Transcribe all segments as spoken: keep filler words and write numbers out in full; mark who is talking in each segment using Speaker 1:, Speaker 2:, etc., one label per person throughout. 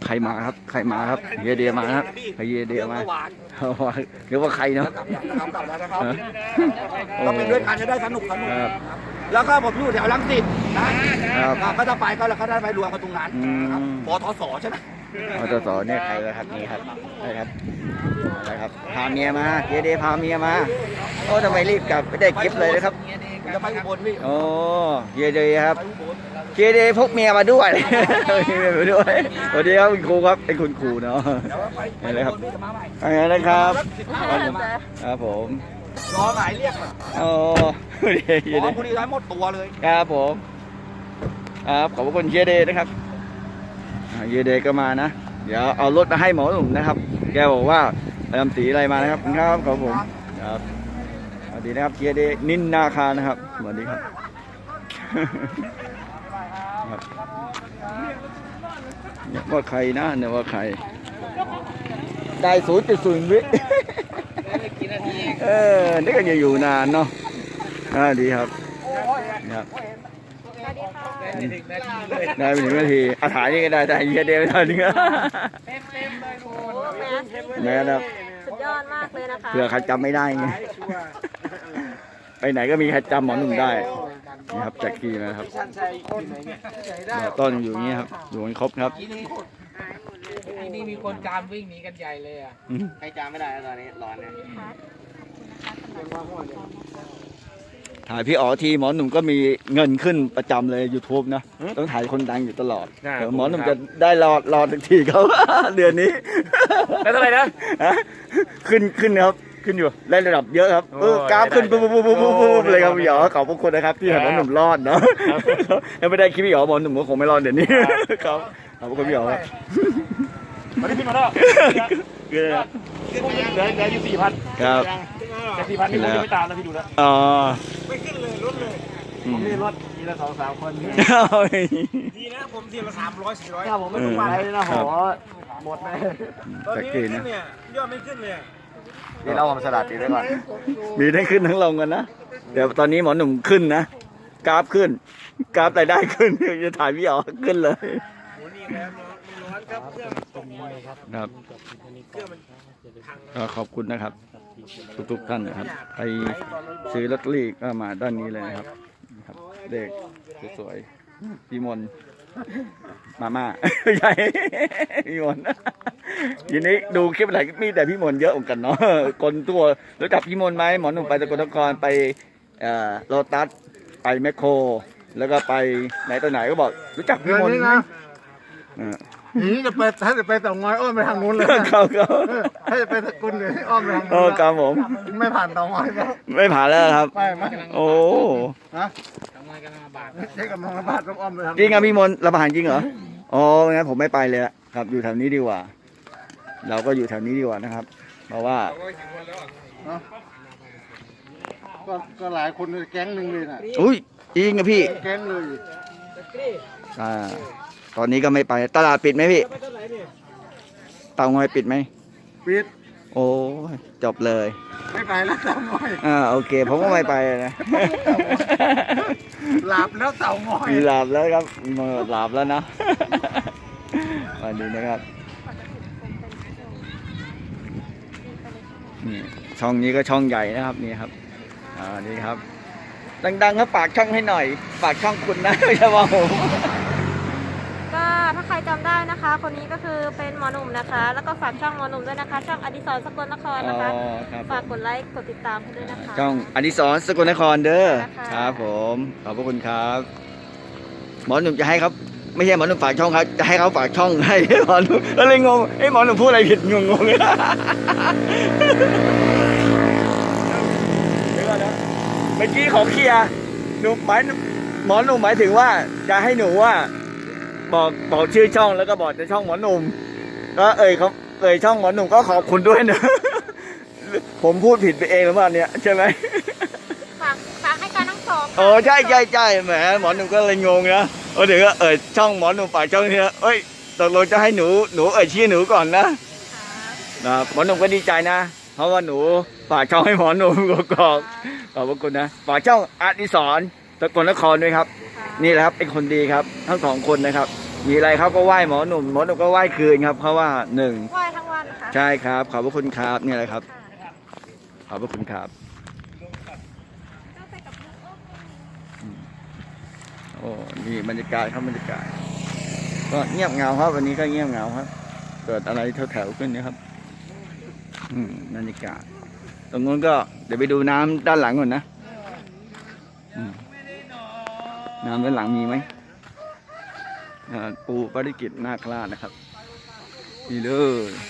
Speaker 1: รมาครับใครมาครับเฮียเดียมาครับเฮียเดียมาเรียกว่าใครเนาะ
Speaker 2: กลับแล้วนะครับก็เป็นด้วยกันจะได้สนุกสนุกแล้วก็ผมอยู่แถวรังสิตนะก็จะไปก็แล้วก็ได้ไปรวมกันตรงนั้นปทศใช่ไหม
Speaker 1: ปทศเนี่ยใครเลยครับนี่ครับใช่ครับใช่ครับพาเมียมาเฮียเดียพาเมียมาโอ้ทำไมรีบกลับไม่ได้คลิปเลยนะครับ
Speaker 2: จะไปอุบลพี่
Speaker 1: โอ้เฮียเดียครับเฮียเดียพกเมียมาด้วยมาด้วยสวัสดีครับคุณครูครับเป็นคุณครูเนาะนี่เลยครับอะไรนะครับครับผม
Speaker 2: รอหมายเรียก
Speaker 1: โอ้
Speaker 2: เฮียเดย์พอดีได้หมดตัวเลย
Speaker 1: ครับผมครับขอบคุณเฮียเดย์นะครับเฮียเดย์ก็มานะเดี๋ยวเอารถมาให้หมอหนุ่มนะครับแกบอกว่าไปทำสีอะไรมานะครับครับขอบผมครับสวัสดีนะครับเฮียเดย์นินนาคานะครับสวัสดีครับเนี่ยว่าใครนะเนี่ยว่าใครได้ศูนย์จุดศูนย์วิเออนี่ก็จะอยู่นานเนาะอ่าดีครับครับได้ไปถึงนาทีอาถ่ายนี่ก็ได้แต่เยอะเดียวตอนนี้แม่ครับ
Speaker 3: สุดยอดมากเลยนะคะ
Speaker 1: เผื่อใครจำไม่ได้ไงไปไหนก็มีใครจำหมอหนุ่มได้นี่ครับแจ็คกี้นะครับต้นอยู่อย่างนี้ครับอยู่กันครบครับ
Speaker 4: นี่มีคนจามวิ่งหนีกันใหญ่เลยอ่ะใครจามไม่ได้ตอนนี้ร้อนเนี่ย
Speaker 1: ถ่ายพี่อ๋อทีหมอหนุ่มก็มีเงินขึ้นประจำเลย ยูทูบ นะต้องถ่ายคนดังอยู่ตลอดเดี๋ยวหมอหนุ่มจะได้รอรอสักทีเขาเดือนนี้
Speaker 4: แล้วเท่าไหร่นะ
Speaker 1: ขึ้นขึ้นครับขึ้นอยู่ได้ระดับเยอะครับเออกราฟขึ้นปุ๊บปุ๊บปุ๊บปุ๊บปุ๊บเลยครับพี่อ๋อขอบพระคุณนะครับที่ให้หมอหนุ่มรอดเนาะยังไม่ได้คลิปพี่อ๋อหมอหนุ่มก็คงไม่รอดเดี๋ยวนี้ครับขอบพระคุณพี่อ๋อ
Speaker 4: มาที่พี่มาแล้วเหลือเหลืออยู่สี่พัน
Speaker 1: ครับ
Speaker 4: แต่สี่พันนี่ผมจะไม่ตามนะพี่ดูแล้ว
Speaker 1: อ๋อ
Speaker 4: ไม่ขึ้นเลยลดเลยผมมีรถทีละสองสามคนดีนะผมทีละสามร้อยสี่ร้อยถ้าผมไม่ต้องไปนะหอหมดเลยตอนนี้ขึ้นเนี่ยยอดไม่ขึ้นเลย
Speaker 1: นี่เรามาสลัดดีไว้ก่อนมีทั้งขึ้นทั้งลงกันนะเดี๋ยวตอนนี้หมอหนุ่มขึ้นนะกราฟขึ้นกราฟรายได้ขึ้นจะถ่ายพี่อ๋อขึ้นเลยครับก็ขอบคุณนะครับทุกๆท่านนะครับใครซื้อลอตเตอรี่ก็มาด้านนี้เลยนะครับเด็กสวยๆพี่มนมาม่าใหญ่พี่มนทีนี้ดูคลิปไหนมีแต่พี่มนเยอะเหมือนกันเนาะคนตัวรู้จักพี่มนไหมหมอหนุ่มไปสกลนครไปโลตัสไปแมคโครแล้วก็ไปไหนตัวไหนก็บอกรู้จักพี่มนไหม
Speaker 2: นี่จะไปถ้าจะไปเต่างอยอ้อมไปทางนู้นเลย
Speaker 1: เขาเขา
Speaker 2: ถ้าจะไปสกุลเลยอ้อมไปทางนู้น
Speaker 1: โอ้ครับผม
Speaker 2: ไม่ผ่านเต่างอยแล้ว
Speaker 1: ไม่ผ่านแล้วครับ
Speaker 2: ไม่ไม่
Speaker 1: โอ้
Speaker 2: ฮะเต่างอยกำลังระบาดใช่กำลังระบาดต้องอ้อมไปทาง
Speaker 1: จริงครับพี่มนระบาดจริงเหรออ๋องั้นผมไม่ไปเลยครับอยู่แถวนี้ดีกว่าเราก็อยู่แถวนี้ดีกว่านะครับเพราะว่า
Speaker 2: ก็ก็หลายคนแก๊งหนึ่งเลยนะ
Speaker 1: อุ้ยจริงครับพี่
Speaker 2: แก๊งเลย
Speaker 1: อ่าตอนนี้ก็ไม่ไปตลาดปิดไหมพี่เตางอยปิดไหม
Speaker 2: ปิด
Speaker 1: โอ้จบเลย
Speaker 2: ไม่ไปแล้วเตางอย
Speaker 1: อ่าโอเคผมก็ไม่ไปนะ
Speaker 2: หลับแล้วเตางอย
Speaker 1: หลับแล้วครับหลับแล้วนะวันนี้นะครับนี่ช่องนี้ก็ช่องใหญ่นะครับนี่ครับอ่านี่ครับดังๆครับฝากช่องให้หน่อยฝากช่องคุณนะไม่ใช่ว่าผม
Speaker 3: ก็ถ้าใครจำได้นะคะคนนี้ก็คือเป็นหมอหนุ่มนะคะแล้วก็ฝากช่องหมอหนุ่มด้วยนะคะช่องอดิศรสกลนครนะคะฝากกดไลค์กดติดตามให้ด้วยนะคะ
Speaker 1: ช่องอดิศรสกลนครเด้อครับผมขอบพระคุณครับหมอหนุ่มจะให้ครับไม่ใช่หมอหนุ่มฝากช่องครับจะให้เขาฝากช่องให้หมอหนุ่มก็เลยงงไอ้หมอหนุ่มพูดอะไรผิดงงงเลยเมื่อกี้ขอเคลียร์หนุ่มหมายหมอหนุ่มหมายถึงว่าจะให้หนูว่าบอกบอกชื่อช่องแล้วก็บอกจะช่องหมอหนุ่มก็เอ่ยเขาเอ่ยช่องหมอหนุ่มก็ขอบคุณด้วยนะผมพูดผิดไปเองหรือเปล่าเนี่ยใช่ไหม
Speaker 3: ฝากฝากให้การทั้งสอง
Speaker 1: โอ้ใช่ใช่ใช่แหมหมอหนุ่มก็เลยงงนะโอ้เดี๋ยวก็เอ่ยช่องหมอหนุ่มฝากช่องนี้เอ้ยตกลงจะให้หนูหนูเอ่ยชื่อหนูก่อนนะนะหมอหนุ่มก็ดีใจนะเพราะว่าหนูฝากช่องให้หมอหนุ่มก็ขอบขอบคุณนะฝากช่องอดิศรสกลนครด้วยครับนี่แหละครับเป็นคนดีครับทั้งสองคนนะครับมีอะไรเขาก็ไหว้หมอหนุ่มหมอหนุ่มก็ไหว้คืนครับเพราะว่าหนึ่ง
Speaker 3: ไหว้ทั้งวันค่ะ
Speaker 1: ใช่ครับขอบพระคุณครับเนี่ยแหละครับขอบพระคุณครับอืมโอ้นี่บรรยากาศครับบรรยากาศก็เงียบเหงาครับวันนี้ก็เงียบเหงาครับเกิดอะไรแถวๆขึ้นนะครับอืมบรรยากาศตรงนู้นก็เดี๋ยวไปดูน้ำด้านหลังก่อนนะอืมน้ำด้านหลังมีไหมอ่าปูปริกิตนาคราชนะครับนี่เลย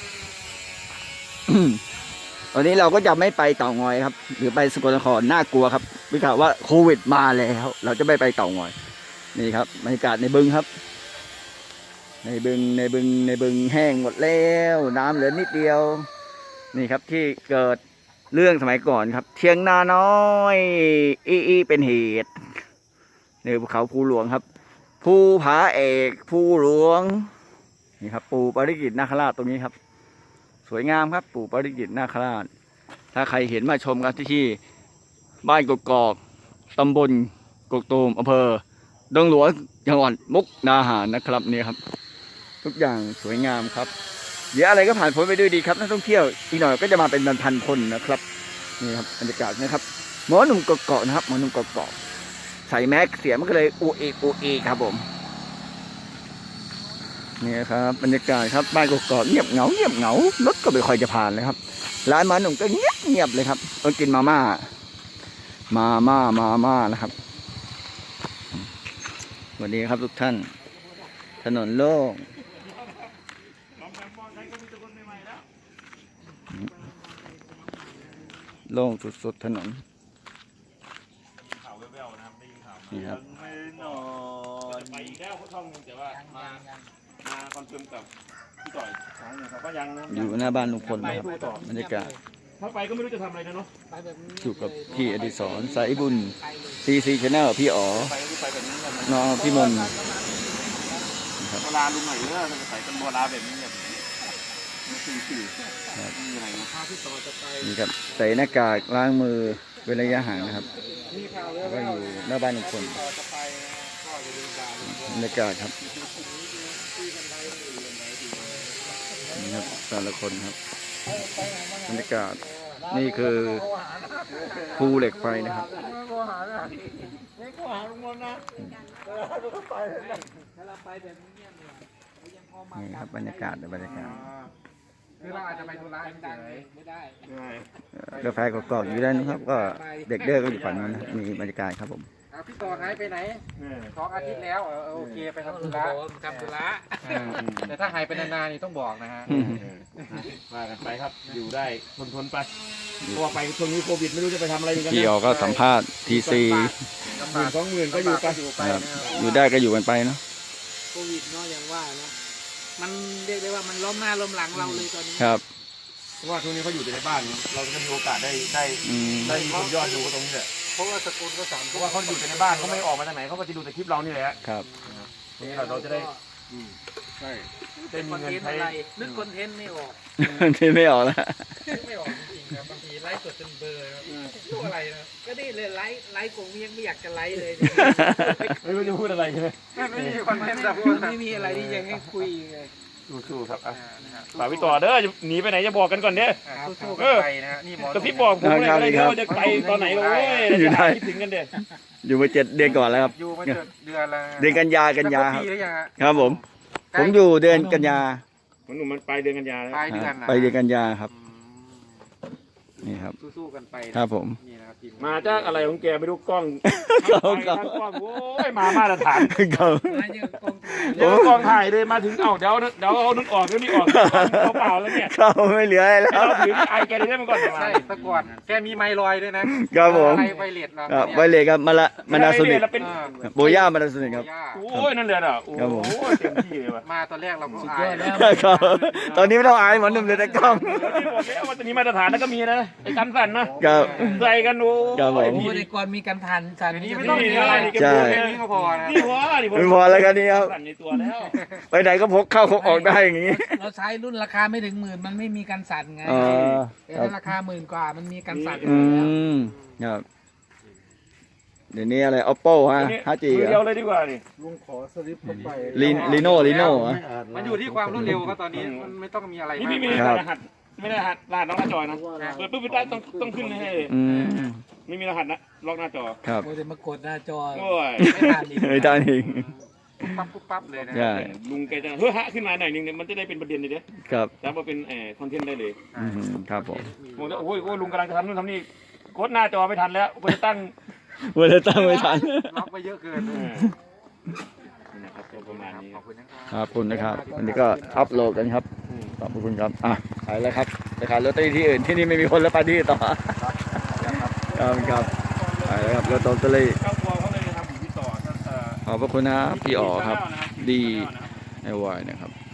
Speaker 1: วันนี้เราก็จะไม่ไปเต่างอยครับ หรือไปสกลนครน่ากลัวครับวิข่าวว่าโควิดมาแล้ว เราจะไม่ไปเต่างอยนี่ครับบรรยากาศในบึงครับ ในบึงในบึงในบึงแห้งหมดแล้วน้ำเหลือนิดเดียวนี่ครับที่เกิดเรื่องสมัยก่อนครับ เทียงนาน้อยอีอีเป็นเหตุในภูเขาภูหลวงครับภูผาเอกภูหลวงนี่ครับปู่ปาริกิตนาคราชตรงนี้ครับสวยงามครับปู่ปาริกิตนาคราชถ้าใครเห็นมาชมกันที่บ้านกกอกตำบลกกตูมอำเภอดงหลวงจังหวัดมุกดาหารนะครับนี่ครับทุกอย่างสวยงามครับเดี๋ยวอะไรก็ผ่านพ้นไปด้วยดีครับนักท่องเที่ยวอีกหน่อยก็จะมาเป็นพันๆคนนะครับนี่ครับบรรยากาศนะครับหมอหนุ่มกกอกนะครับหมอหนุ่มกกอกใส่แมสเสียงมันก็เลยอูเอกอูเอกครับผมนี่ครับบรรยากาศครับบ้านกกอกเงียบเหงาเงียบเหงารถก็ไม่ค่อยจะผ่านเลยครับร้านหมอหนุ่มก็เงียบเงียบเลยครับต้องกินมาม่ามาม่ามาม่านะครับสวัสดีครับทุกท่านถนนโล่งโล่งสุดๆถนนนี่ครับ
Speaker 4: ไปอีกแล้วเขาท่องแต่ว่ามามาคอนเฟิร์มกับพี่ต่อยเขาก็ยังนะ
Speaker 1: อยู่หน้าบ้านลุงพลนะครับบรรยากาศ
Speaker 4: ถ้าไปก็ไม่รู้จะทำอะไรนะเนาะ
Speaker 1: อยู่กับพี่อดิศรสายบุญซีซีชาแนลพี่อ๋อ
Speaker 4: ไปก็ไปแบบนี้แบบ
Speaker 1: น้องพี่มนต์
Speaker 4: โบราณลุงหน่อยเออจะใส่เป็นโบราณแบบนี้แบบนี้สี่สี่มีอะไรนะ
Speaker 1: นี่ครับใส่หน้ากากล้างมือเว้นระยะห่างนะครับแล้วก็อยู่หน้าบ้านลุงพลบรรยากาศครับนี่ครับแต่ละคนครับบรรยากาศนี่คือภูเหล็กไฟนะครับนี่ครับบรรยากาศบรรยากาศ
Speaker 5: คือเราอาจจะไปธุระเฉยไม่ได้
Speaker 1: กาแฟกรอกๆอยู่ด้านนู้นครับก็เด็กเด้อก็อยู่ฝั่งนั้นนะมีบรรยากาศครับผม
Speaker 5: เอาพี่ต่อหายไปไหนสองอาทิตย์แล้วเออโอเคไปทำธุระทำธุระแต่ถ้าหายไปนานๆนี่ต้องบอกนะฮะ
Speaker 4: มากันไปครับอยู่ได้ทนทนไปเพราะว่าไปช่วงนี้โควิดไม่รู้จะไปทำอะไรกัน
Speaker 1: พี่ออก็สัมภาษณ์ทีซี
Speaker 4: หมื่นสองหมื่นก็อยู่ไป
Speaker 1: ครับอยู่ได้ก็อยู่กันไปเนาะ
Speaker 5: โควิดเนาะอย่างว่านะมันเรียกได้ว่ามันล้มหน้าล้มหลังเราเลยตอนนี้
Speaker 1: ครับ
Speaker 4: เพราะว่าช่วงนี้เขาอยู่แต่ในบ้านเราจะมีโอกาสได้ได้
Speaker 1: อืม
Speaker 4: ได้มีคนยอดดูตรงนี้แหละ
Speaker 5: เพราะว่าสกุลก็สาม
Speaker 4: เพราะว่าเขาอยู่แต่ในบ้านเขาไม่ออกมาจากไหนเขาก็จะดูแต่คลิปเรานี่แหละ
Speaker 1: ครับ
Speaker 4: ทีนี้เราเราจะได้
Speaker 5: ใช่
Speaker 4: ได้มี
Speaker 5: คอน
Speaker 4: เงิน
Speaker 5: เทนต์
Speaker 4: ใช้
Speaker 5: อะไรนึกคอนเทนต์ไม่ออก
Speaker 1: ที่ไม่ออกแล้ว
Speaker 5: ไม่ออกจริงๆครับบางทีไลฟ์สดจนเบลอครับรู้อะไรนะก็นี่เลยไลฟ์ไลฟ์ผมยังไม่อยากจะไลฟ์เลย
Speaker 4: ไม่รู้จะพูดอะไรใช่ไหม
Speaker 5: ไม่มีคอนเทนต์แบบไม่มีอะไรที่ยังให้คุยเลย
Speaker 4: สู้ๆครับอ่ะฝากพี่ต่อเด้อหนีไปไหนจะบอกกันก่อนเด้อ
Speaker 5: สู้ๆกันไปนะฮะนี่หมอก
Speaker 4: ระพริบบอกผมเลยอะไรเด้อว่าจะไปตอนไหนโอ้ย
Speaker 1: อยู่ได้
Speaker 4: คิดถึงกันเด้อ
Speaker 1: อยู่มาเจ็ดเดือนก่อนแล้วครับ
Speaker 5: อยู่มาเดือนเดือนละ
Speaker 1: เดือนกันยากันยาครับ
Speaker 5: ปีหรือยังฮะ
Speaker 1: ครับผม ผมอยู่เดือนกันยา
Speaker 4: มันหนุ่มมันไปเดือนกันยาแล้ว
Speaker 5: ปลายเดือน
Speaker 1: ไปเดือนกันยาครับนี่ครับ
Speaker 5: สู้ๆกันไปนะครับ
Speaker 1: ผม
Speaker 5: นี่นะครับทีม
Speaker 4: มาจากอะไรของแกไม่รู้กล้อง
Speaker 1: เขา
Speaker 4: ไป
Speaker 1: เขา
Speaker 4: ทางกล้องโอ้ยมามาตรฐาน
Speaker 1: เขา
Speaker 5: มาเยอะกองทุน
Speaker 4: เดี๋ยวกล้องถ่ายเลยมาถึงเอ้าเดี๋ยวเดี๋ยวเอานึกออกเดี๋ยวนี่ออกเขาเปล่าแล้วเนี่ย
Speaker 1: เขาไม่เหลืออะไรแล้ว
Speaker 4: เราถือไอแกได้มาก่อน
Speaker 5: ใช่ตะกอนแกมีไมลอยด้วยนะครับ
Speaker 1: ผม
Speaker 5: อะไรไวเลสเนาะ
Speaker 1: ครับไวเลยครับมาละมานาโซนิก
Speaker 4: เราเป็น
Speaker 1: โบย่ามานาโซนิกครับ
Speaker 4: โอ้ยนั่นเลยอ่ะโอ้
Speaker 1: ครับผม
Speaker 4: ยเต็มที่เลยว่ะ
Speaker 5: มาตอนแรกเราก็อายแล้ว
Speaker 1: ครับตอนนี้ไม่ต้องอายหมอหนุ่มเลยแต่กล้อง
Speaker 4: ที่บอกแล้วว่าจะมีมาตรฐานแล้วก็มีนะไอ้กันสั่นนะครับ ใส่กันโอ้
Speaker 1: ครับผม
Speaker 5: โอ้ยก่อนมีการทันสันนี้ไม่
Speaker 4: นี่
Speaker 5: ต้องมี
Speaker 4: นี่
Speaker 5: อะไร
Speaker 4: อะไร
Speaker 1: ใช่
Speaker 5: แค่นี้ก็พอนะ
Speaker 4: นี่พอนี่
Speaker 1: ไม่พอแล้วกันนี่ครับ
Speaker 4: สั่นในตัวแล้ว
Speaker 1: ไปไหนก็พกเข้าพกออกได้อย่างนี้
Speaker 5: เราใช้รุ่นราคาไม่ถึงหมื่นมันไม่มีการสั่นไง
Speaker 1: อ๋อ
Speaker 5: แต่
Speaker 1: ครับ
Speaker 5: ถ้าราคาหมื่นกว่ามันมีการสั่น
Speaker 1: อืมครับเดี๋ยวนี้อะไร oppo ฮะ ห้าจี
Speaker 4: มือเดียวเลยดีกว่านี่
Speaker 5: ลุงขอสลิปเข้าไป
Speaker 1: ลีลีโน่ลีโน่เหรอ
Speaker 5: มันอยู่ที่ความรวดเร็วครับตอนนี้มันไม่ต้องมีอะไร
Speaker 4: นี่
Speaker 5: มาก
Speaker 4: พี่ไม่
Speaker 1: ครั
Speaker 4: ได้
Speaker 1: บ
Speaker 4: รหัสไม่ได้รหัสรหัสน้องหน้าจอนะเปิดปุ๊บได้ต้องต้องขึ้นให้
Speaker 1: อืม
Speaker 4: ไม่มีรหัสนะล็อกหน้าจอ
Speaker 1: ครับ
Speaker 5: โอ้ยมากดหน้าจอ
Speaker 4: โอ้ย
Speaker 5: ไม่ทันอีก
Speaker 1: ไม่ได้อีก
Speaker 5: ปั๊บปุ๊บปั๊บเลยนะ
Speaker 1: ใช่
Speaker 4: ลุงแกจะเฮ้ยฮะขึ้นมาหน่อยนึงเนี่ยมันจะได้เป็นประเด็นเลยเด้
Speaker 1: ครับ
Speaker 4: แล้วมาเป็นเอ่อคอนเทนต์ได้เลย
Speaker 1: อืมครับผม
Speaker 4: ผมจะโอ้ยโอ้ยลุงกำลังจะทำนู่นทำนี่กดหน้าจอไม่ทันแล้วกูจะตั้ง
Speaker 1: เวลาตั้งไม่ทัน
Speaker 5: ล็อกไปเยอะเกิน
Speaker 4: เออนี่นะครับตัวประมาณนี้
Speaker 5: ขอบคุณนะครับ
Speaker 1: ขอบคุณนะครับวันนี้ก็อัพโหลดกันครับขอบคุณครับอ่ะไปแล้วครับไปขายลอตเตอรี่ที่อื่นที่นี่ไม่มีคนแล้วไปที่ต่อครับครับไปแล้วครับลอตเตอรี่
Speaker 4: เจ้าตัวเขาเลยทำอยู่ที่ต่อเอ่อ
Speaker 1: ขอบพระคุณนะพี่อ๋อครับ ดีไอวายนะครับ